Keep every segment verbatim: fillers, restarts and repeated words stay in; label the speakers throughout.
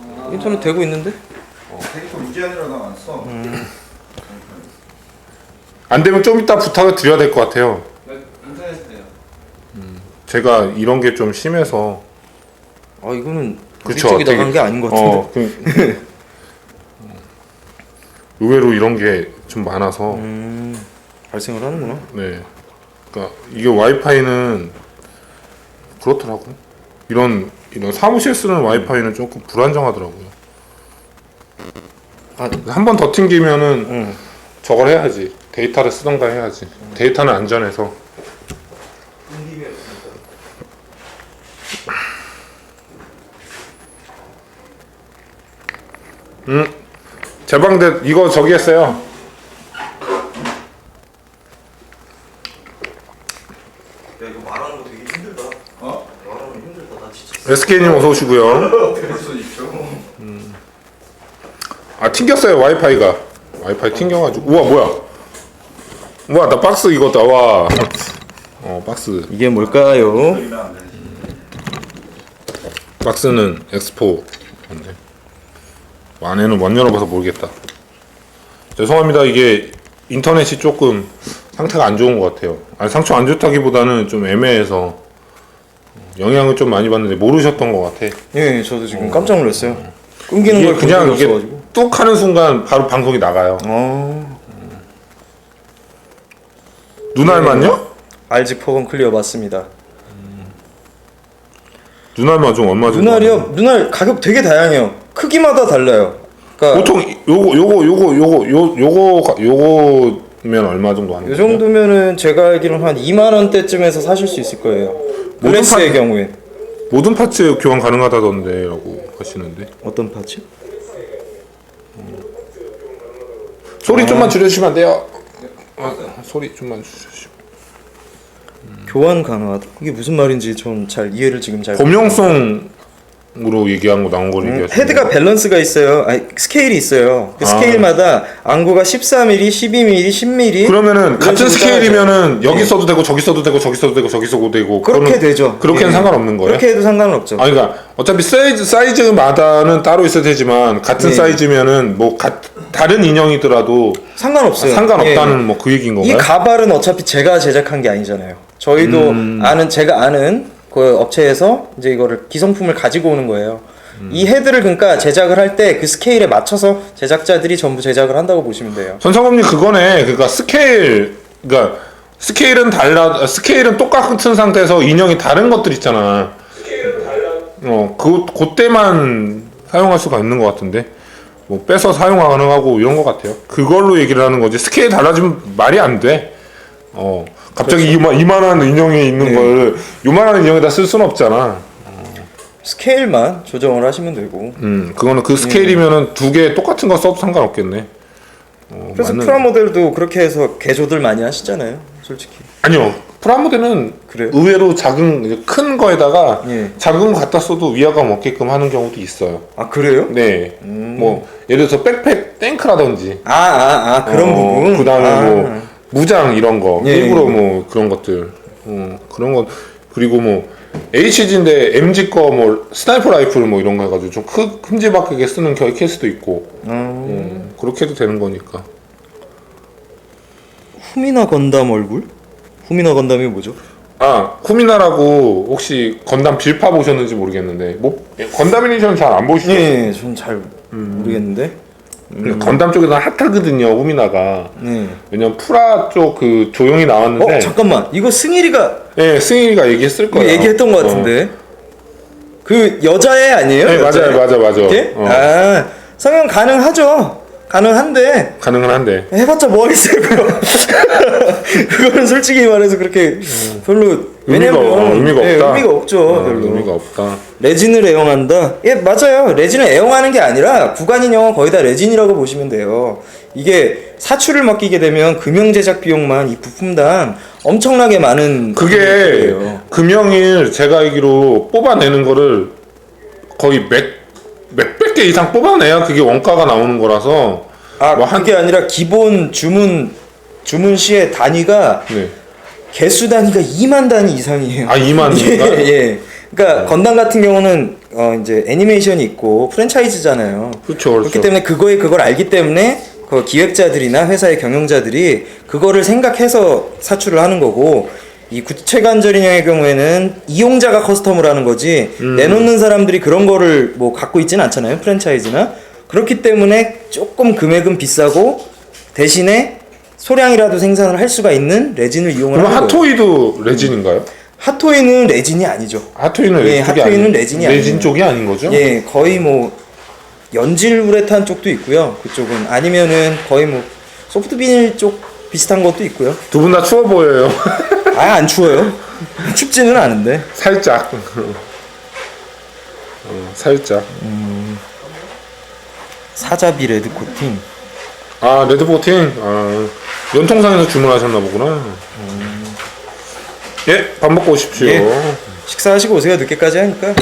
Speaker 1: 아, 인터넷 되고 있는데?
Speaker 2: 어, 데이터 무제한이라 나왔어.
Speaker 1: 음.
Speaker 3: 안 되면 좀 이따 부탁을 드려야 될 것 같아요.
Speaker 4: 인터넷 돼요.
Speaker 3: 음, 제가 이런 게 좀 심해서.
Speaker 1: 아 이거는
Speaker 3: 그쵸,
Speaker 1: 우리 쪽이
Speaker 3: 되게-
Speaker 1: 나간 게 아닌 것 같은데.
Speaker 3: 어, 그, 의외로 이런 게 좀 많아서.
Speaker 1: 음, 발생을 하는구나.
Speaker 3: 네. 그러니까 이게 와이파이는 그렇더라고요. 이런 이런 사무실 쓰는 와이파이는 조금 불안정하더라고요.
Speaker 1: 아,
Speaker 3: 한 번 더 튕기면은
Speaker 1: 응.
Speaker 3: 저걸 해야지. 데이터를 쓰던가 해야지. 데이터는 안전해서. 음, 제방대 이거 저기 했어요.
Speaker 1: 야 이거 말하는 거 되게 힘들다.
Speaker 2: 어?
Speaker 1: 말하는 거 힘들다. 나 진짜.
Speaker 3: 에스케이님 어서 오시고요.
Speaker 2: 그럴 수 있죠.
Speaker 3: 아 튕겼어요 와이파이가. 와이파이 튕겨가지고. 우와 뭐야? 우와 나 박스 이거 나와. 어 박스.
Speaker 1: 이게 뭘까요?
Speaker 2: 그러면 안 되지.
Speaker 3: 박스는 엑스포. 건데. 안에는 못 열어봐서 모르겠다. 죄송합니다. 이게 인터넷이 조금 상태가 안 좋은 것 같아요. 아니 상처 안 좋다기보다는 좀 애매해서 영향을 좀 많이 받는데 모르셨던 것 같아.
Speaker 1: 예, 저도 지금 깜짝 놀랐어요. 끊기는
Speaker 3: 이게
Speaker 1: 걸
Speaker 3: 그냥
Speaker 1: 그냥
Speaker 3: 이게
Speaker 1: 없어가지고.
Speaker 3: 뚝 하는 순간 바로 방송이 나가요.
Speaker 1: 어,
Speaker 3: 눈알만요?
Speaker 1: 알지 포건 클리어 맞습니다.
Speaker 3: 눈알만 좀 얼마 정도?
Speaker 1: 눈알이요? 눈알 가격 되게 다양해요. 크기마다 달라요. 그러니까
Speaker 3: 보통 요거 요거 요거 요거 요 요거 요거면 얼마 정도 하는
Speaker 1: 이
Speaker 3: 거예요?
Speaker 1: 정도면은 제가 알기로는 한 이만 원대쯤에서 사실 수 있을 거예요.
Speaker 3: 모든
Speaker 1: 글래스의
Speaker 3: 파-
Speaker 1: 경우엔.
Speaker 3: 모든 파츠 교환 가능하다던데라고 하시는데
Speaker 1: 어떤 파츠?
Speaker 3: 소리
Speaker 1: 아.
Speaker 3: 좀만 줄여주시면 안 돼요? 아, 소리 좀만 줄여주시면.
Speaker 1: 교환 가능하다. 이게 무슨 말인지 좀 잘 이해를 지금 잘.
Speaker 3: 범용성으로 얘기한 거 나온 걸
Speaker 1: 음,
Speaker 3: 얘기하시는
Speaker 1: 헤드가 밸런스가 있어요. 아니 스케일이 있어요. 그
Speaker 3: 아.
Speaker 1: 스케일마다 안구가 십사 밀리미터, 십이 밀리미터, 십 밀리미터.
Speaker 3: 그러면은
Speaker 1: 이런
Speaker 3: 같은
Speaker 1: 식으로
Speaker 3: 스케일이면은 여기
Speaker 1: 네.
Speaker 3: 써도 되고 저기 써도 되고 저기 써도 되고 저기 써도 되고
Speaker 1: 그렇게
Speaker 3: 그거는-
Speaker 1: 되죠.
Speaker 3: 그렇게는
Speaker 1: 예.
Speaker 3: 상관없는 거예요?
Speaker 1: 그렇게 해도 상관은 없죠.
Speaker 3: 아니 그러니까 어차피 사이즈 사이즈마다는 따로 있어야 되지만 같은
Speaker 1: 네.
Speaker 3: 사이즈면은 뭐 가, 다른 인형이더라도
Speaker 1: 상관없어요.
Speaker 3: 상관없다는
Speaker 1: 예.
Speaker 3: 뭐 그 얘기인
Speaker 1: 이
Speaker 3: 건가요?
Speaker 1: 가발은 어차피 제가 제작한 게 아니잖아요. 저희도
Speaker 3: 음.
Speaker 1: 아는 제가 아는 그 업체에서 이제 이거를 기성품을 가지고 오는 거예요.
Speaker 3: 음.
Speaker 1: 이 헤드를 그러니까 제작을 할 때 그 스케일에 맞춰서 제작자들이 전부 제작을 한다고 보시면 돼요.
Speaker 3: 전상범님 그거네. 그러니까 스케일, 그러니까 스케일은 달라, 스케일은 똑같은 상태에서 인형이 다른 것들 있잖아. 스케일은 달라. 어, 그 그때만 사용할 수가 있는 것 같은데. 뭐 빼서 사용 가능하고 이런 것 같아요. 그걸로 얘기를 하는 거지. 스케일 달라지면 말이 안 돼. 어, 갑자기 이만 이만한 인형이 있는
Speaker 1: 네.
Speaker 3: 걸 요만한 인형에다 쓸 수는 없잖아.
Speaker 1: 스케일만 조정을 하시면 되고.
Speaker 3: 음, 그거는 그 스케일이면은 두 개 똑같은 거 써도 상관없겠네. 어,
Speaker 1: 그래서
Speaker 3: 맞는-
Speaker 1: 프라모델도 그렇게 해서 개조들 많이 하시잖아요. 솔직히.
Speaker 3: 아니요. 프라모델은
Speaker 1: 그래요?
Speaker 3: 의외로 작은 큰 거에다가
Speaker 1: 예.
Speaker 3: 작은 거 갖다 써도 위화감 없게끔 하는 경우도 있어요.
Speaker 1: 아 그래요?
Speaker 3: 네.
Speaker 1: 음.
Speaker 3: 뭐 예를 들어서 백팩 탱크라든지
Speaker 1: 아 아 아 그런
Speaker 3: 어,
Speaker 1: 부분.
Speaker 3: 그다음에
Speaker 1: 아.
Speaker 3: 뭐 무장 이런 거
Speaker 1: 예,
Speaker 3: 일부러
Speaker 1: 예.
Speaker 3: 뭐 그런 것들 어, 그런 거 그리고 뭐 에이치지인데 엠지 거 뭐 스나이퍼 라이플 뭐 이런 거 해가지고 좀 크, 큼지막하게 쓰는 겨 케이스도 있고
Speaker 1: 음.
Speaker 3: 음, 그렇게 해도 되는 거니까.
Speaker 1: 후미나 건담 얼굴? 후미나 건담이 뭐죠?
Speaker 3: 아, 쿠미나라고 혹시 건담 빌파 보셨는지 모르겠는데 뭐 건담 애니션 잘 안 보시죠?
Speaker 1: 네, 전 잘 모르겠는데.
Speaker 3: 근데 건담 쪽에서 핫하거든요, 쿠미나가.
Speaker 1: 네.
Speaker 3: 왜냐면 프라 쪽 그 조용히 나왔는데
Speaker 1: 어 잠깐만, 이거 승일이가
Speaker 3: 예, 승일이가 얘기했을
Speaker 1: 이거
Speaker 3: 거예요.
Speaker 1: 얘기했던 것 같은데. 그 여자애 아니에요?
Speaker 3: 네,
Speaker 1: 여자애?
Speaker 3: 맞아요, 맞아, 맞아.
Speaker 1: 이렇게?
Speaker 3: 어.
Speaker 1: 아 성형 가능하죠. 가능한데
Speaker 3: 가능은 한데.
Speaker 1: 해봤자 뭐 하겠어요 그거. 그거는 솔직히 말해서 그렇게 별로
Speaker 3: 의미가,
Speaker 1: 왜냐면
Speaker 3: 어, 의미가
Speaker 1: 예,
Speaker 3: 없다.
Speaker 1: 의미가 없죠.
Speaker 3: 어,
Speaker 1: 별로.
Speaker 3: 의미가 없다.
Speaker 1: 레진을 애용한다? 예, 맞아요. 레진을 애용하는 게 아니라 구간 인형은 거의 다 레진이라고 보시면 돼요. 이게 사출을 맡기게 되면 금형 제작 비용만 이 부품당 엄청나게 많은
Speaker 3: 그게
Speaker 1: 거예요.
Speaker 3: 금형일 제가 알기로 뽑아내는 거를 거의 몇 몇백 개 이상 뽑아내야 그게 원가가 나오는 거라서.
Speaker 1: 아,
Speaker 3: 뭐 한-
Speaker 1: 그게 아니라 기본 주문 주문 시의 단위가
Speaker 3: 네.
Speaker 1: 개수 단위가 이만 단위 이상이에요.
Speaker 3: 아, 이만
Speaker 1: 예,
Speaker 3: 단위인가요?
Speaker 1: 예. 그러니까 건담 같은 경우는 어 이제 애니메이션이 있고 프랜차이즈잖아요.
Speaker 3: 그렇죠.
Speaker 1: 그렇기 때문에 그거에 그걸 알기 때문에 그 기획자들이나 회사의 경영자들이 그거를 생각해서 사출을 하는 거고, 이 구체관절 인형의 경우에는 이용자가 커스텀을 하는 거지
Speaker 3: 음.
Speaker 1: 내놓는 사람들이 그런 거를 뭐 갖고 있지는 않잖아요, 프랜차이즈나. 그렇기 때문에 조금 금액은 비싸고 대신에 소량이라도 생산을 할 수가 있는 레진을 이용을
Speaker 3: 그럼
Speaker 1: 하는 거예요.
Speaker 3: 핫토이도 레진인가요?
Speaker 1: 핫토이는 레진이 아니죠.
Speaker 3: 핫토이는
Speaker 1: 예,
Speaker 3: 레진 쪽이
Speaker 1: 핫토이는
Speaker 3: 아니-
Speaker 1: 레진이
Speaker 3: 레진
Speaker 1: 아니에요.
Speaker 3: 쪽이 아닌 거죠?
Speaker 1: 예, 거의 뭐 연질 우레탄 쪽도 있고요. 그쪽은 아니면은 거의 뭐 소프트 비닐 쪽 비슷한 것도 있고요.
Speaker 3: 두 분 다 추워 보여요.
Speaker 1: 아예 안 추워요. 춥지는 않은데.
Speaker 3: 살짝. 어, 살짝.
Speaker 1: 사자비 레드 코팅.
Speaker 3: 아 레드보팅. 아, 연통상에서 주문하셨나 보구나. 예, 밥 먹고 오십시오.
Speaker 1: 예. 식사하시고 오세요. 늦게까지 하니까.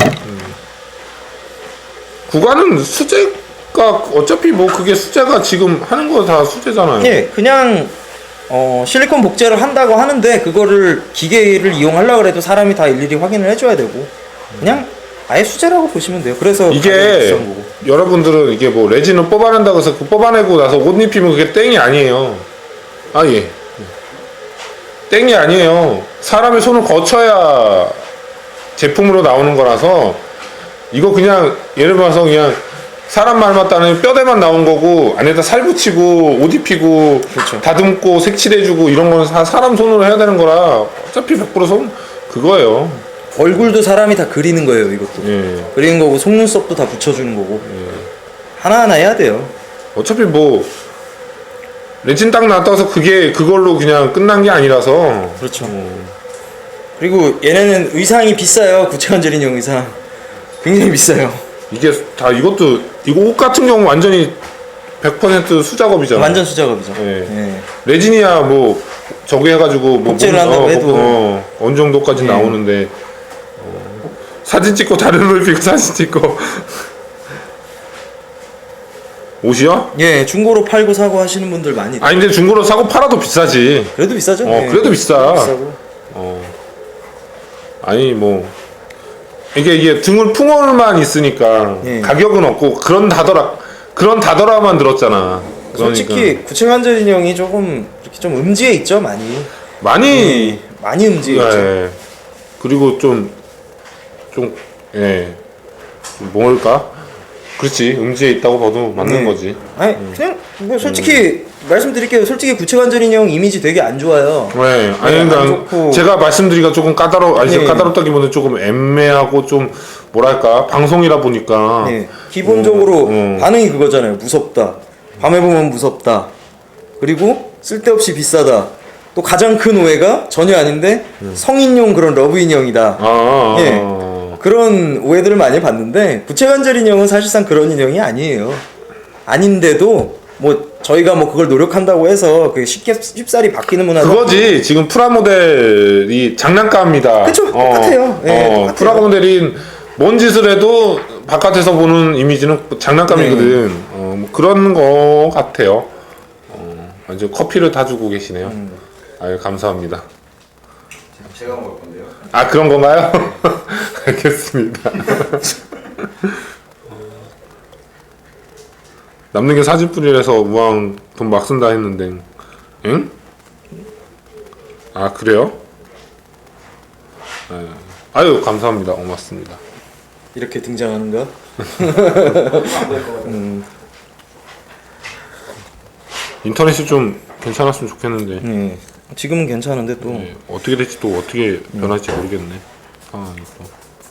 Speaker 3: 구간은 수제가 어차피 뭐 그게 수제가 지금 하는 거 다 수제잖아요.
Speaker 1: 예, 그냥 어, 실리콘 복제를 한다고 하는데 그거를 기계를 이용하려고 해도 사람이 다 일일이 확인을 해줘야 되고 그냥 아예 수제라고 보시면 돼요. 그래서 가격이
Speaker 3: 이게
Speaker 1: 비싼 거고.
Speaker 3: 여러분들은 이게 뭐 레진을 뽑아낸다고 해서 그 뽑아내고 나서 옷 입히면 그게 땡이 아니에요. 아 예. 땡이 아니에요. 사람의 손을 거쳐야 제품으로 나오는 거라서 이거 그냥 예를 들어서 그냥 사람 말 맞다는 뼈대만 나온 거고 안에다 살 붙이고 옷 입히고
Speaker 1: 그렇죠.
Speaker 3: 다듬고 색칠해주고 이런 거는 다 사람 손으로 해야 되는 거라 어차피 백 퍼센트 손 그거예요.
Speaker 1: 얼굴도 사람이 다 그리는 거예요. 이것도.
Speaker 3: 예.
Speaker 1: 그리는 거고 속눈썹도 다 붙여주는 거고 하나하나 해야 돼요.
Speaker 3: 어차피 뭐 레진 딱 나왔다고 해서 그게 그걸로 그냥 끝난 게 아니라서
Speaker 1: 그렇죠. 그리고 얘네는 의상이 비싸요. 구체관절 인형 의상 굉장히 비싸요.
Speaker 3: 이게 다 이것도 이거 옷 같은 경우 완전히 백 퍼센트 수작업이잖아.
Speaker 1: 완전 수작업이죠.
Speaker 3: 예.
Speaker 1: 예.
Speaker 3: 레진이야 뭐 저기 해가지고 뭐
Speaker 1: 복제를
Speaker 3: 몸-
Speaker 1: 한다고
Speaker 3: 어,
Speaker 1: 해도.
Speaker 3: 어, 어느 정도까지
Speaker 1: 예.
Speaker 3: 나오는데 어, 사진 찍고 다른 옷 입고 사진 찍고 옷이요?
Speaker 1: 예, 중고로 팔고 사고 하시는 분들 많이.
Speaker 3: 아니 근데 중고로 사고 팔아도 비싸지.
Speaker 1: 그래도 비싸죠.
Speaker 3: 어,
Speaker 1: 예.
Speaker 3: 그래도 비싸.
Speaker 1: 비싸고.
Speaker 3: 어. 아니 뭐 이게 이게 등을 풍월만 있으니까
Speaker 1: 예.
Speaker 3: 가격은 없고 그런 다더라 그런 다더라만 들었잖아. 그러니까
Speaker 1: 솔직히 구체관절 인형이 조금 이렇게 좀 음지에 있죠, 많이.
Speaker 3: 많이
Speaker 1: 예, 많이 음지에 있죠.
Speaker 3: 예. 그리고 좀 좀 예. 좀 뭘까? 그렇지. 음지에 있다고 봐도 맞는
Speaker 1: 네.
Speaker 3: 거지.
Speaker 1: 아니 그냥 뭐 솔직히 말씀드릴게요. 솔직히 구체관절 인형 이미지 되게 안 좋아요.
Speaker 3: 네, 아니
Speaker 1: 네, 안
Speaker 3: 그러니까
Speaker 1: 좋고.
Speaker 3: 제가 말씀드리기가 조금 까다로 아니
Speaker 1: 네.
Speaker 3: 까다롭다기보다는 조금 애매하고 좀 뭐랄까 방송이라 보니까
Speaker 1: 네, 기본적으로
Speaker 3: 어, 어.
Speaker 1: 반응이 그거잖아요. 무섭다. 밤에 보면 무섭다. 그리고 쓸데없이 비싸다. 또 가장 큰 오해가 전혀 아닌데 성인용 그런 러브 인형이다.
Speaker 3: 아, 아,
Speaker 1: 예.
Speaker 3: 아.
Speaker 1: 그런 오해들을 많이 봤는데 구체관절 인형은 사실상 그런 인형이 아니에요. 아닌데도 뭐 저희가 뭐 그걸 노력한다고 해서 그 쉽게 쉽사리 바뀌는 문화가
Speaker 3: 그거지. 지금 프라모델이 장난감이다.
Speaker 1: 그쵸, 똑같아요. 예,
Speaker 3: 어,
Speaker 1: 똑같아요.
Speaker 3: 프라모델인 뭔 짓을 해도 바깥에서 보는 이미지는 장난감이거든.
Speaker 1: 네.
Speaker 3: 어, 뭐 그런 거 같아요. 어, 완전 커피를 다 주고 계시네요.
Speaker 1: 음.
Speaker 3: 아유 감사합니다.
Speaker 2: 제가 먹을 건데요.
Speaker 3: 아 그런 건가요? 알겠습니다. 남는 게 사진뿐이라서 우왕 돈 막 쓴다 했는데, 응? 아 그래요? 네. 아유 감사합니다. 고맙습니다.
Speaker 1: 이렇게 등장하는가?
Speaker 3: 인터넷이 좀 괜찮았으면 좋겠는데
Speaker 1: 네. 지금은 괜찮은데 또
Speaker 3: 네, 어떻게 될지 또 어떻게 변할지 모르겠네. 상황이 또.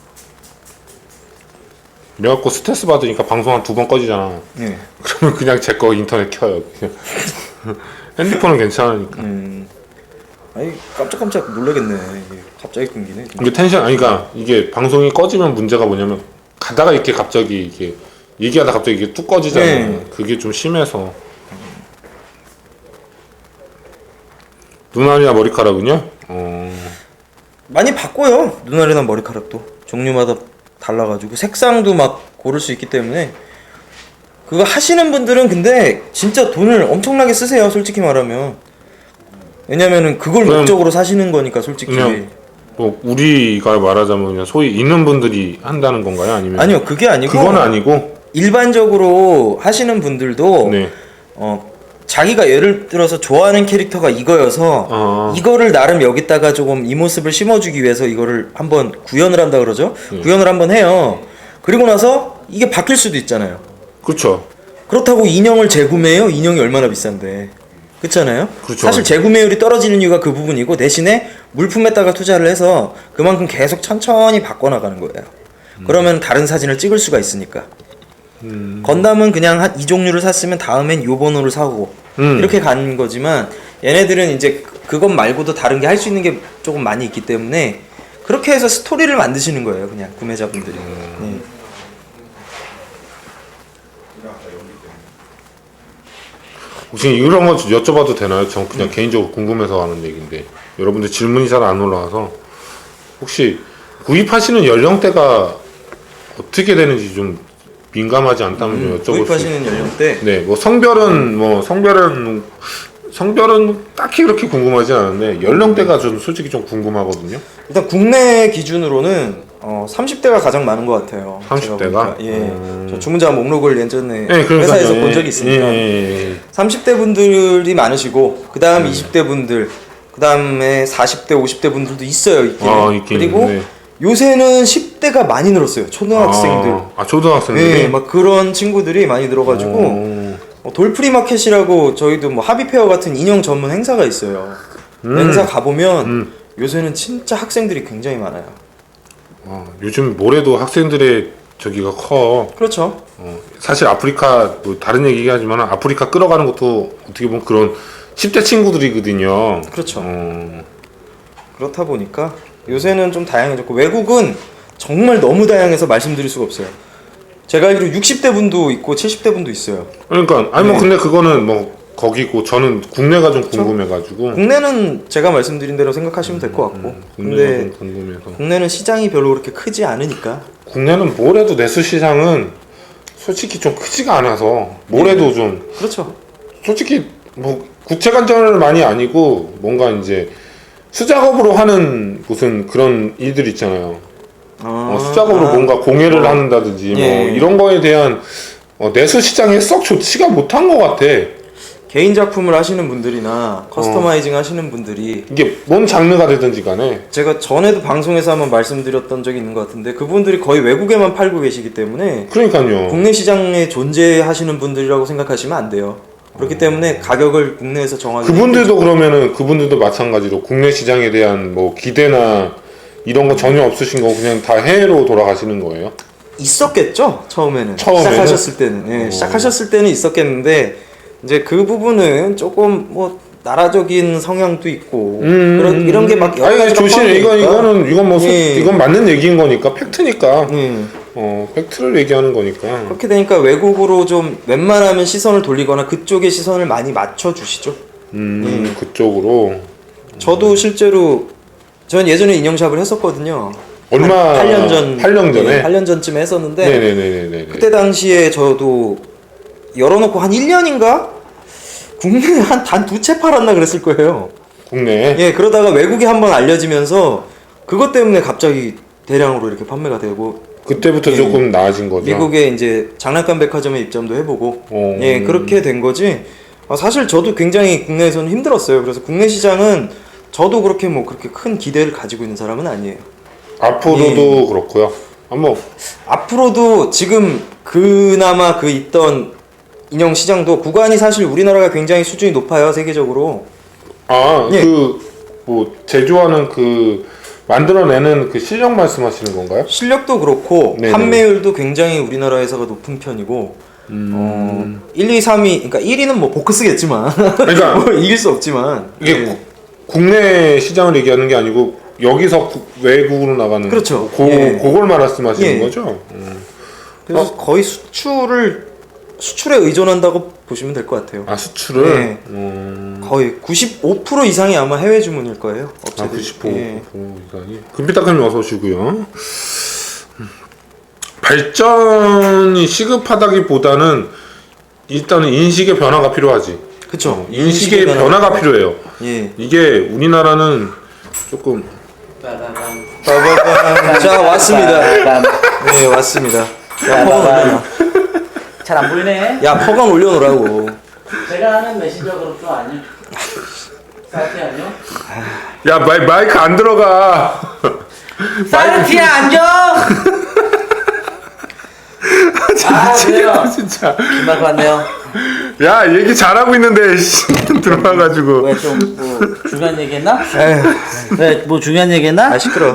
Speaker 3: 그래갖고 스트레스 받으니까 방송 한 두 번 꺼지잖아.
Speaker 1: 네.
Speaker 3: 그러면 그냥 제 거 인터넷 켜요. 그냥. 핸드폰은 괜찮으니까.
Speaker 1: 음. 아니 깜짝깜짝 놀라겠네. 이게 갑자기 끊기네.
Speaker 3: 이게 텐션 아니까 이게 방송이 꺼지면 문제가 뭐냐면 가다가 이렇게 갑자기 이게 얘기하다 갑자기 이게 뚝 꺼지잖아.
Speaker 1: 네.
Speaker 3: 그게 좀 심해서. 눈알이나 머리카락은요? 어.
Speaker 1: 많이 바꿔요. 눈알이나 머리카락도 종류마다 달라가지고 색상도 막 고를 수 있기 때문에 그거 하시는 분들은 근데 진짜 돈을 엄청나게 쓰세요. 솔직히 말하면. 왜냐면은 그걸
Speaker 3: 그냥-
Speaker 1: 목적으로 사시는 거니까 솔직히.
Speaker 3: 그냥 뭐 우리가 말하자면 그냥 소위 있는 분들이 한다는 건가요? 아니면
Speaker 1: 아니요, 그게 아니고
Speaker 3: 그건 아니고
Speaker 1: 일반적으로 하시는 분들도
Speaker 3: 네.
Speaker 1: 어, 자기가 예를 들어서 좋아하는 캐릭터가 이거여서
Speaker 3: 아.
Speaker 1: 이거를 나름 여기다가 조금 이 모습을 심어주기 위해서 이거를 한번 구현을 한다 그러죠.
Speaker 3: 네.
Speaker 1: 구현을 한번 해요. 그리고 나서 이게 바뀔 수도 있잖아요.
Speaker 3: 그렇죠.
Speaker 1: 그렇다고 인형을 재구매해요? 인형이 얼마나 비싼데. 그렇잖아요.
Speaker 3: 그렇죠.
Speaker 1: 사실 재구매율이 떨어지는 이유가 그 부분이고 대신에 물품에다가 투자를 해서 그만큼 계속 천천히 바꿔나가는 거예요.
Speaker 3: 음.
Speaker 1: 그러면 다른 사진을 찍을 수가 있으니까.
Speaker 3: 음.
Speaker 1: 건담은 그냥 한 이 종류를 샀으면 다음엔 요 번호를 사고
Speaker 3: 음.
Speaker 1: 이렇게 가는 거지만 얘네들은 이제 그- 그것 말고도 다른 게 할 수 있는 게 조금 많이 있기 때문에 그렇게 해서 스토리를 만드시는 거예요. 그냥 구매자분들이. 네.
Speaker 3: 혹시 이런 거 여쭤봐도 되나요? 전 그냥
Speaker 1: 음.
Speaker 3: 개인적으로 궁금해서 하는 얘기인데 여러분들 질문이 잘 안 올라와서 혹시 구입하시는 연령대가 어떻게 되는지 좀 민감하지 않다면 좀 여쭤볼 수
Speaker 1: 음, 구입하시는 연령대
Speaker 3: 네, 뭐 성별은 뭐 성별은 성별은 딱히 그렇게 궁금하지 않은데 연령대가 좀 솔직히 좀 궁금하거든요.
Speaker 1: 일단 국내 기준으로는 어, 삼십 대가 가장 많은 것 같아요.
Speaker 3: 삼십 대가?
Speaker 1: 제가 보니까. 예.
Speaker 3: 음.
Speaker 1: 저 주문자 목록을 예전에
Speaker 3: 네, 그러니까요.
Speaker 1: 회사에서
Speaker 3: 예,
Speaker 1: 본 적이 있으니까
Speaker 3: 예, 예, 예.
Speaker 1: 삼십 대 분들이 많으시고 그
Speaker 3: 음.
Speaker 1: 다음 이십 대 분들 그 다음에 사십 대 오십 대 분들도 있어요. 있긴.
Speaker 3: 아, 있긴
Speaker 1: 그리고
Speaker 3: 있네.
Speaker 1: 요새는 십 대가 많이 늘었어요. 초등학생들.
Speaker 3: 아, 아 초등학생들이.
Speaker 1: 네, 막 그런 친구들이 많이 늘어가지고
Speaker 3: 어.
Speaker 1: 어, 돌프리 마켓이라고 저희도 뭐 하비페어 같은 인형 전문 행사가 있어요.
Speaker 3: 음.
Speaker 1: 행사 가보면
Speaker 3: 음.
Speaker 1: 요새는 진짜 학생들이 굉장히 많아요.
Speaker 3: 어, 요즘 뭐래도 학생들의 저기가 커.
Speaker 1: 그렇죠.
Speaker 3: 어, 사실 아프리카 뭐 다른 얘기긴 하지만 아프리카 끌어가는 것도 어떻게 보면 그런 십 대 친구들이거든요.
Speaker 1: 그렇죠.
Speaker 3: 어,
Speaker 1: 그렇다 보니까 요새는 좀 다양해졌고 외국은 정말 너무 다양해서 말씀드릴 수가 없어요. 제가 알기로 육십 대 분도 있고 칠십 대 분도 있어요.
Speaker 3: 그러니까 아니 뭐
Speaker 1: 네.
Speaker 3: 근데 그거는 뭐 거기고 저는 국내가 좀 궁금해가지고.
Speaker 1: 국내는 제가 말씀드린 대로 생각하시면 될 것 같고
Speaker 3: 음, 국내가
Speaker 1: 근데
Speaker 3: 좀 궁금해서.
Speaker 1: 국내는 시장이 별로 그렇게 크지 않으니까
Speaker 3: 국내는 뭐래도 내수 시장은 솔직히 좀 크지가 않아서 뭐래도 좀
Speaker 1: 그렇죠.
Speaker 3: 솔직히 뭐 국채 관점을 많이 아니고 뭔가 이제 수작업으로 하는 무슨 그런 일들 있잖아요.
Speaker 1: 아,
Speaker 3: 어, 수작업으로
Speaker 1: 아,
Speaker 3: 뭔가 공예를
Speaker 1: 어.
Speaker 3: 한다든지 뭐
Speaker 1: 예.
Speaker 3: 이런 거에 대한 어, 내수 시장에 썩 좋지가 못한 것 같아.
Speaker 1: 개인 작품을 하시는 분들이나 커스터마이징 하시는 분들이
Speaker 3: 이게 뭔 장르가 되든지 간에
Speaker 1: 제가 전에도 방송에서 한번 말씀드렸던 적이 있는 것 같은데 그분들이 거의 외국에만 팔고 계시기 때문에
Speaker 3: 그러니까요.
Speaker 1: 국내 시장에 존재하시는 분들이라고 생각하시면 안 돼요. 그렇기 때문에 가격을 국내에서 정하기
Speaker 3: 그분들도 그러면은 그분들도 마찬가지로 국내 시장에 대한 뭐 기대나 이런 거 전혀 없으신 거 그냥 다 해외로 돌아가시는 거예요?
Speaker 1: 있었겠죠 처음에는,
Speaker 3: 처음에는?
Speaker 1: 시작하셨을 때는 예,
Speaker 3: 오.
Speaker 1: 시작하셨을 때는 있었겠는데 이제 그 부분은 조금 뭐 나라적인 성향도 있고 그런 이런 게 막 여러
Speaker 3: 아니
Speaker 1: 가지로
Speaker 3: 조심 이건
Speaker 1: 포함되니까.
Speaker 3: 이거는 이건 뭐 소-
Speaker 1: 예.
Speaker 3: 이건 맞는 얘기인 거니까 팩트니까
Speaker 1: 예.
Speaker 3: 어 팩트를 얘기하는 거니까
Speaker 1: 그렇게 되니까 외국으로 좀 웬만하면 시선을 돌리거나 그쪽에 시선을 많이 맞춰 주시죠.
Speaker 3: 음 그쪽으로
Speaker 1: 저도 실제로 전 예전에 인형샵을 했었거든요.
Speaker 3: 얼마
Speaker 1: 팔 년 전,
Speaker 3: 팔 년 전에
Speaker 1: 예, 팔 년 전쯤에 했었는데
Speaker 3: 네네네네네
Speaker 1: 그때 당시에 저도 열어놓고 한 일 년인가 국내에 한 단 두 채 팔았나 그랬을 거예요.
Speaker 3: 국내에
Speaker 1: 예, 그러다가 외국에 한번 알려지면서 그것 때문에 갑자기 대량으로 이렇게 판매가 되고
Speaker 3: 그때부터
Speaker 1: 예.
Speaker 3: 조금 나아진 거죠.
Speaker 1: 미국에 이제 장난감 백화점에 입점도 해보고
Speaker 3: 어.
Speaker 1: 예 그렇게 된 거지. 아, 사실 저도 굉장히 국내에서는 힘들었어요. 그래서 국내 시장은 저도 그렇게 뭐 그렇게 큰 기대를 가지고 있는 사람은 아니에요.
Speaker 3: 앞으로도 그렇고요. 한번
Speaker 1: 앞으로도 지금 그나마 그 있던 인형 시장도 구간이 사실 우리나라가 굉장히 수준이 높아요 세계적으로. 예.
Speaker 3: 아그 뭐 제조하는 그 만들어내는 그 실력 말씀하시는 건가요?
Speaker 1: 실력도 그렇고
Speaker 3: 네네.
Speaker 1: 판매율도 굉장히 우리나라에서가 높은 편이고
Speaker 3: 음.
Speaker 1: 어, 일, 이, 삼 위 그러니까 일 위는 뭐 보크스겠지만
Speaker 3: 그러니까
Speaker 1: 뭐 이길 수 없지만
Speaker 3: 이게
Speaker 1: 예.
Speaker 3: 구- 국내 시장을 얘기하는 게 아니고 여기서 구- 외국으로 나가는
Speaker 1: 그렇죠.
Speaker 3: 고,
Speaker 1: 예.
Speaker 3: 그걸 말씀하시는
Speaker 1: 예.
Speaker 3: 거죠? 음.
Speaker 1: 그래서 거의 수출을 수출에 의존한다고 보시면 될 것 같아요.
Speaker 3: 아 수출을
Speaker 1: 네.
Speaker 3: 음.
Speaker 1: 거의 구십오 퍼센트 이상이 아마 해외 주문일 거예요.
Speaker 3: 아
Speaker 1: 업체들.
Speaker 3: 구십오
Speaker 1: 예.
Speaker 3: 이상이 금비타크님 어서 오시고요. 음. 발전이 시급하다기보다는 일단은 인식의 변화가 필요하지.
Speaker 1: 그쵸.
Speaker 3: 어, 인식의 변화가 필요해요.
Speaker 1: 예.
Speaker 3: 이게 우리나라는 조금
Speaker 1: 빠바밤. 자 왔습니다. 네 왔습니다. 야 퍼건 올려놔.
Speaker 4: 잘 안 보이네.
Speaker 1: 야 퍼건 올려놓으라고.
Speaker 4: 제가 하는 메신저 그룹도 아니요. 사이트 아니요?
Speaker 3: 야 마이, 마이크 안 들어가.
Speaker 4: 사이트에 앉아. 아 그래요.
Speaker 3: 진짜.
Speaker 4: 김밥 왔네요.
Speaker 3: 야 얘기 잘하고 있는데 씨, 들어와가지고.
Speaker 4: 왜 좀 뭐 중요한 얘기했나?
Speaker 1: 에휴,
Speaker 4: 왜 뭐 중요한 얘기했나?
Speaker 1: 아 시끄러.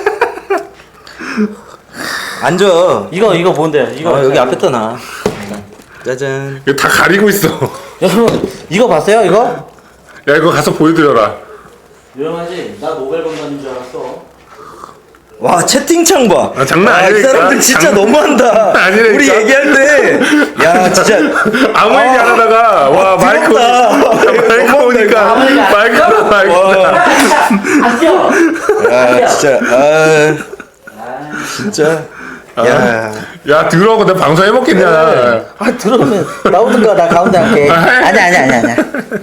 Speaker 1: 앉아.
Speaker 4: 이거 이거 뭔데요? 이거
Speaker 1: 어, 여기 앞에다 놔. 짜잔.
Speaker 3: 이거 다 가리고 있어.
Speaker 4: 여러분 이거 봤어요? 이거?
Speaker 3: 야 이거 가서 보여드려라.
Speaker 4: 유명하지? 나 노벨 건반인 줄 알았어.
Speaker 1: 와 채팅창 봐.
Speaker 3: 아, 장난
Speaker 1: 아, 이
Speaker 3: 아니라니까.
Speaker 1: 사람들 진짜
Speaker 3: 장-
Speaker 1: 너무한다.
Speaker 3: 아니라니까.
Speaker 1: 우리 얘기할 때, 야 진짜
Speaker 3: 아무 얘기 안 하다가 와 마이크
Speaker 1: 부럽다.
Speaker 3: 오니까 마이크 오니까
Speaker 4: 아무 얘기 안
Speaker 3: 마이크 마이크.
Speaker 1: 와,
Speaker 4: 안 뛰어.
Speaker 1: 야 진짜 아 진짜 야
Speaker 3: 야 들어오고 내가 방송 해먹겠냐.
Speaker 4: 아 들어오면 나오든가 나 가운데 할게. 아니 아니 아니 아니.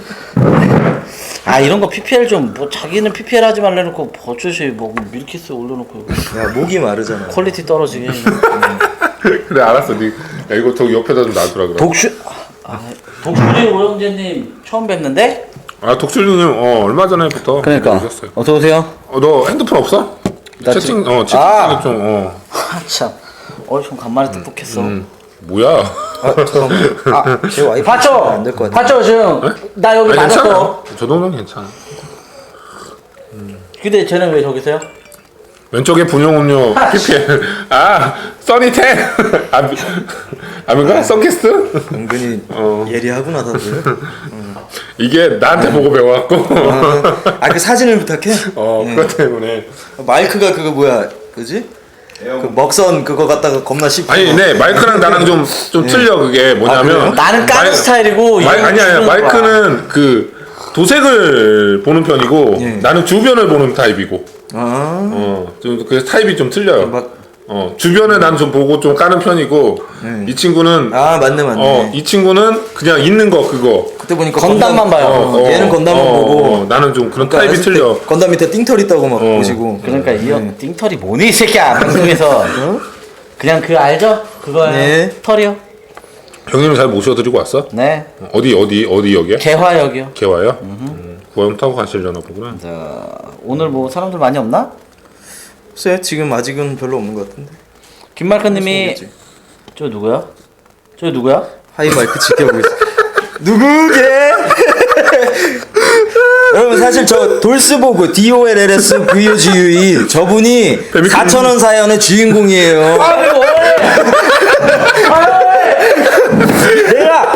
Speaker 4: 아 이런 거 피피엘 좀 뭐 자기는 피피엘 하지 말래놓고 버젓이 뭐 밀키스 올려놓고
Speaker 1: 야 목이 마르잖아.
Speaker 4: 퀄리티 떨어지게.
Speaker 3: 그래 알았어. 니 야, 이거 저 옆에다 좀 놔두라 그래.
Speaker 4: 독슈 아, 독수리 오영재님 처음 뵙는데?
Speaker 3: 아 독실님 어 얼마 전에부터
Speaker 4: 그러니까
Speaker 3: 오셨어요.
Speaker 4: 어서 오세요.
Speaker 3: 어, 너 핸드폰 없어?
Speaker 4: 나
Speaker 3: 채팅
Speaker 4: 지금-
Speaker 3: 어 채팅
Speaker 4: 아!
Speaker 3: 좀 어.
Speaker 4: 참, 어좀 간만에 똑똑했어.
Speaker 3: 음. 뭐야?
Speaker 1: 아 잠깐만. 아제 와이프
Speaker 4: 봤죠?
Speaker 1: 안될 것 같아.
Speaker 4: 봤죠 지금 나 여기
Speaker 3: 아, 괜찮아.
Speaker 4: 맞았어.
Speaker 3: 저 정도는 괜찮아.
Speaker 4: 근데 쟤는 왜 저기 있어요?
Speaker 3: 왼쪽에 분용음료 피피엘. 아 써니텐. 아 미- 아닌가? 썬캐스트?
Speaker 1: 은근히
Speaker 3: 어.
Speaker 1: 예리하구나 다들.
Speaker 3: 이게 나한테 보고 배워갖고.
Speaker 1: 아 그 사진을 부탁해.
Speaker 3: 어
Speaker 1: 네.
Speaker 3: 그것 때문에.
Speaker 1: 마이크가 그거 뭐야 그지? 그 먹선 그거 갖다가 겁나 씹고.
Speaker 3: 아니, 네 마이크랑 나랑 좀 좀 틀려. 그게 뭐냐면
Speaker 1: 그래요?
Speaker 4: 나는 까는
Speaker 3: 마이-
Speaker 4: 스타일이고
Speaker 3: 마이,
Speaker 4: 얘는
Speaker 3: 아니 아니
Speaker 4: 주는 거야.
Speaker 3: 마이크는 그 도색을 보는 편이고
Speaker 1: 예.
Speaker 3: 나는 주변을 보는 타입이고.
Speaker 1: 아
Speaker 3: 어, 좀 그 타입이 좀 틀려요.
Speaker 1: 막-
Speaker 3: 어, 주변에 난 좀 보고 좀 까는 편이고
Speaker 1: 네.
Speaker 3: 이 친구는
Speaker 1: 아 맞네 맞네.
Speaker 3: 어, 이 친구는 그냥 있는 거 그거.
Speaker 1: 그때 보니까
Speaker 4: 건담만 봐요.
Speaker 1: 어, 얘는 건담만
Speaker 3: 어,
Speaker 1: 보고.
Speaker 3: 어, 나는 좀 그런
Speaker 1: 그러니까
Speaker 3: 타입이
Speaker 1: 했을 때
Speaker 3: 틀려.
Speaker 1: 건담 밑에 띵털 있다고 막
Speaker 3: 어.
Speaker 1: 보시고.
Speaker 4: 그러니까 이 형 띵털이 뭐니 이 새끼야 방송에서 그냥 그 알죠? 그거예요.
Speaker 1: 네.
Speaker 4: 털이요.
Speaker 3: 형님 잘 모셔드리고 왔어?
Speaker 4: 네.
Speaker 3: 어디 어디 어디 역이야?
Speaker 4: 개화역이요.
Speaker 3: 개화요? 음, 구화용 타고 가시려나 보구나.
Speaker 4: 자 오늘 뭐 사람들 많이 없나?
Speaker 1: 글쎄 지금 아직은 별로 없는 것 같은데.
Speaker 4: 김말크님이
Speaker 1: 모르겠지.
Speaker 4: 저 누구야? 저 누구야?
Speaker 1: 하이 마이크 지켜보고 있어. 누구게? 여러분 사실 저 돌스보그 D O L L S V O G U E 저분이
Speaker 3: 뱀이
Speaker 1: 사천 원 사연의 주인공이에요.
Speaker 4: 아 왜 뭐해? 내가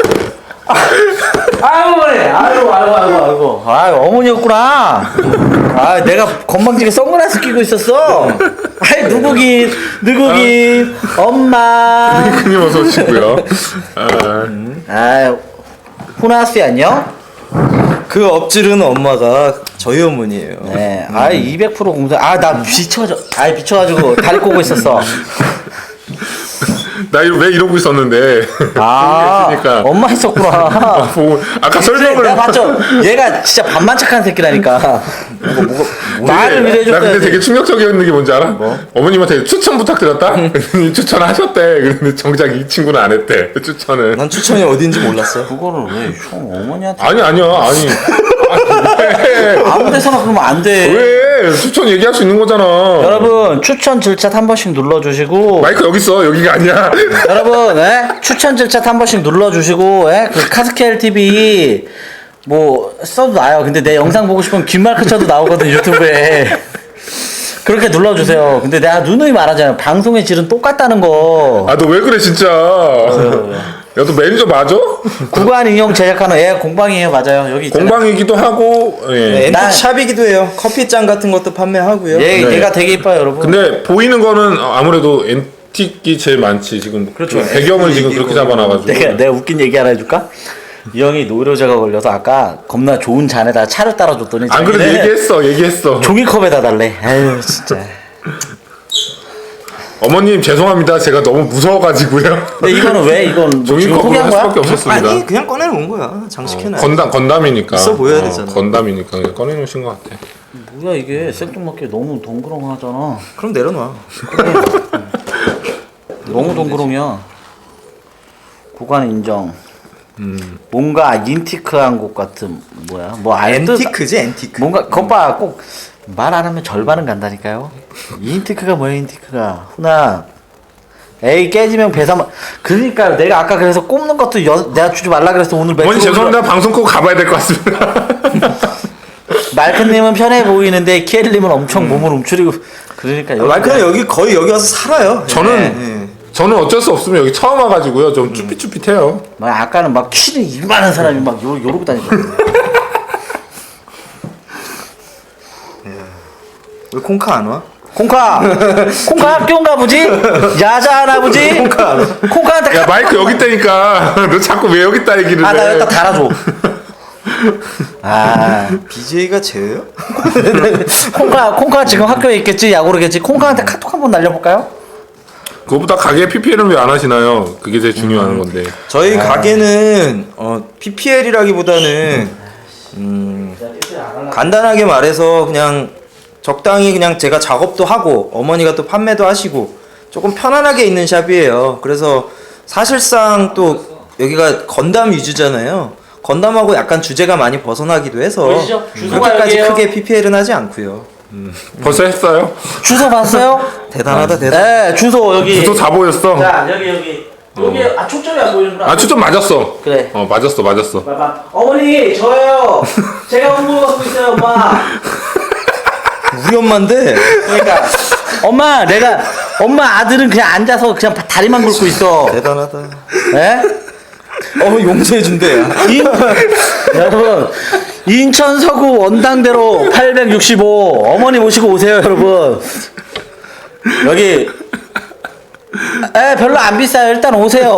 Speaker 4: 아유 뭐래? 아유 아유 아유 아유 아유 어머니였구나. 아 내가 건방지게 선글라스 끼고 있었어. 아이 누구긴 누구긴 엄마.
Speaker 3: 형님 어서 오시고요. 아,
Speaker 4: 아 호나스 안녕?
Speaker 1: 그 엎질은 엄마가 저희 어머니예요.
Speaker 4: 네. 아 이백 퍼센트 공사. 아나 비춰져. 아 비춰가지고 다리 꼬고 있었어.
Speaker 3: 나 이러, 왜 이러고 있었는데.
Speaker 4: 아
Speaker 3: 그러니까
Speaker 4: 엄마 있었구나.
Speaker 3: 보고 아까
Speaker 4: 그래,
Speaker 3: 설명을
Speaker 4: 내가 봤죠. 얘가 진짜 반만착한 새끼라니까. 뭐가 뭐가 말을
Speaker 3: 나 근데
Speaker 4: 믿어줘야지.
Speaker 3: 되게 충격적이었는 게 뭔지 알아? 어머님한테 추천 부탁드렸다? 그랬더니 추천하셨대. 그런데 정작 이 친구는 안 했대. 추천을.
Speaker 1: 난 추천이 어딘지 몰랐어.
Speaker 4: 그거를 왜 형 어머니한테
Speaker 3: 아니 아니야. 아니. 아니 왜?
Speaker 4: 아무 데서나 그러면 안 돼.
Speaker 3: 왜? 추천 얘기할 수 있는 거잖아.
Speaker 4: 여러분 추천 질차 한 번씩 눌러주시고
Speaker 3: 마이크 여기 있어. 여기가 아니야.
Speaker 4: 여러분 예? 추천 질차 한 번씩 눌러주시고 예? 그 카스케일 티비 뭐 써도 나요. 근데 내 영상 보고 싶으면 김말크 쳐도 나오거든 유튜브에. 그렇게 눌러주세요. 근데 내가 누누이 말하잖아요. 방송의 질은 똑같다는 거.
Speaker 3: 아 너 왜 그래 진짜. 야 너 매니저 맞아?
Speaker 4: 구간 인형 제작하는 애 공방이에요. 맞아요. 여기 있잖아요.
Speaker 3: 공방이기도 하고. 예.
Speaker 1: 네,
Speaker 4: 난-
Speaker 1: 엠피샵이기도 해요. 커피잔 같은 것도 판매하고요.
Speaker 4: 얘,
Speaker 3: 네.
Speaker 4: 얘가 되게 이뻐요 여러분.
Speaker 3: 근데 보이는 거는 아무래도 앤틱이 제일 많지 지금.
Speaker 1: 그렇죠.
Speaker 3: 배경을 지금
Speaker 1: 앤틱이고.
Speaker 3: 그렇게 잡아놔가지고.
Speaker 4: 내가 내가 웃긴 얘기 하나 해줄까? 이 형이 노이로제가 걸려서 아까 겁나 좋은 잔에다 차를 따라줬더니
Speaker 3: 안 그래도
Speaker 4: 자기는
Speaker 3: 얘기했어. 얘기했어.
Speaker 4: 종이컵에다 달래. 아유 진짜.
Speaker 3: 어머님 죄송합니다. 제가 너무 무서워가지고요.
Speaker 4: 근데 이거는 왜 이건 뭐 지금
Speaker 3: 종이컵으로
Speaker 4: 포기한
Speaker 3: 할
Speaker 4: 거야?
Speaker 3: 수밖에 없었습니다.
Speaker 1: 아니 그냥 꺼내놓은 거야. 장식해놔.
Speaker 3: 건담 건담이니까.
Speaker 1: 있어 보여야
Speaker 3: 어,
Speaker 1: 되잖아.
Speaker 3: 건담이니까 그냥 꺼내놓으신 것 같아.
Speaker 4: 뭐야 이게 생뚱맞게 너무 동그렁하잖아.
Speaker 1: 그럼 내려놔.
Speaker 4: 너무 동그렁이야. 구간 인정.
Speaker 3: 음.
Speaker 4: 뭔가 인티크한 곳 같은 뭐야? 뭐 알듯
Speaker 1: 앤티크지 앤티크.
Speaker 4: 뭔가 거봐 꼭 말 안 하면 절반은 간다니까요. 인티크가 뭐야 인티크가? 훈아. 에이 깨지면 배삼. 그러니까 내가 아까 그래서 꼽는 것도 여, 내가 주지 말라 그래서 오늘
Speaker 3: 어머니
Speaker 4: 매출
Speaker 3: 죄송합니다. 방송 꼭 가봐야 될 것 같습니다.
Speaker 4: 말크님은 편해 보이는데 키엘님은 엄청 몸을 움츠리고 그러니까 여기
Speaker 1: 마이크는 여기 거의 여기 와서 살아요.
Speaker 3: 저는
Speaker 1: 네.
Speaker 3: 저는 어쩔 수 없으면 여기 처음 와가지고요. 좀 쭈삣쭈삣해요.
Speaker 4: 막 아까는 막 키를 이만한 사람이 막 요, 요러고 다니거든요.
Speaker 1: 왜 콩카 안 와?
Speaker 4: 콩카! 콩카 학교인가 보지? 야자하나 보지?
Speaker 1: 콩카 안 와?
Speaker 4: 콩카한테
Speaker 3: 야 마이크 여기 있다니까. 너 자꾸 왜 여기 있다 얘기를
Speaker 4: 아, 나
Speaker 3: 해.
Speaker 4: 여기다 달아줘. 아,
Speaker 1: 비제이가 쟤예요?
Speaker 4: 콩카, 콩카 지금 학교에 있겠지? 야구르겠지? 콩카한테 카톡 한번 날려볼까요?
Speaker 3: 그거보다 가게 피피엘은 왜 안 하시나요? 그게 제일 중요한 건데.
Speaker 1: 저희 가게는 어, 피피엘이라기보다는 음, 간단하게 말해서 그냥 적당히 그냥 제가 작업도 하고 어머니가 또 판매도 하시고 조금 편안하게 있는 샵이에요. 그래서 사실상 또 여기가 건담 위주잖아요. 건담하고 약간 주제가 많이 벗어나기도 해서
Speaker 4: 보이시죠? 주소가
Speaker 1: 그렇게까지
Speaker 4: 여기예요.
Speaker 1: 크게 피피엘은 하지 않고요.
Speaker 3: 벌써 했어요?
Speaker 4: 주소 봤어요?
Speaker 1: 대단하다 대단.
Speaker 4: 네, 주소 여기.
Speaker 3: 주소 다 보였어.
Speaker 4: 자, 여기, 여기. 여기, 아, 초점이 안 보이는구나.
Speaker 3: 아 초점 맞았어.
Speaker 4: 그래.
Speaker 3: 어 맞았어 맞았어.
Speaker 4: 봐봐. 어머니, 저예요. 제가 홍보 받고 있어요, 엄마.
Speaker 1: 우리 엄마인데
Speaker 4: 그러니까 엄마 내가 엄마 아들은 그냥 앉아서 그냥 다리만 굴고 있어.
Speaker 1: 대단하다.
Speaker 4: 예?
Speaker 1: 어 용서해 준대.
Speaker 4: 인, 여러분 인천 서구 원당대로 팔백육십오 어머니 모시고 오세요 여러분. 여기 에 별로 안 비싸요. 일단 오세요.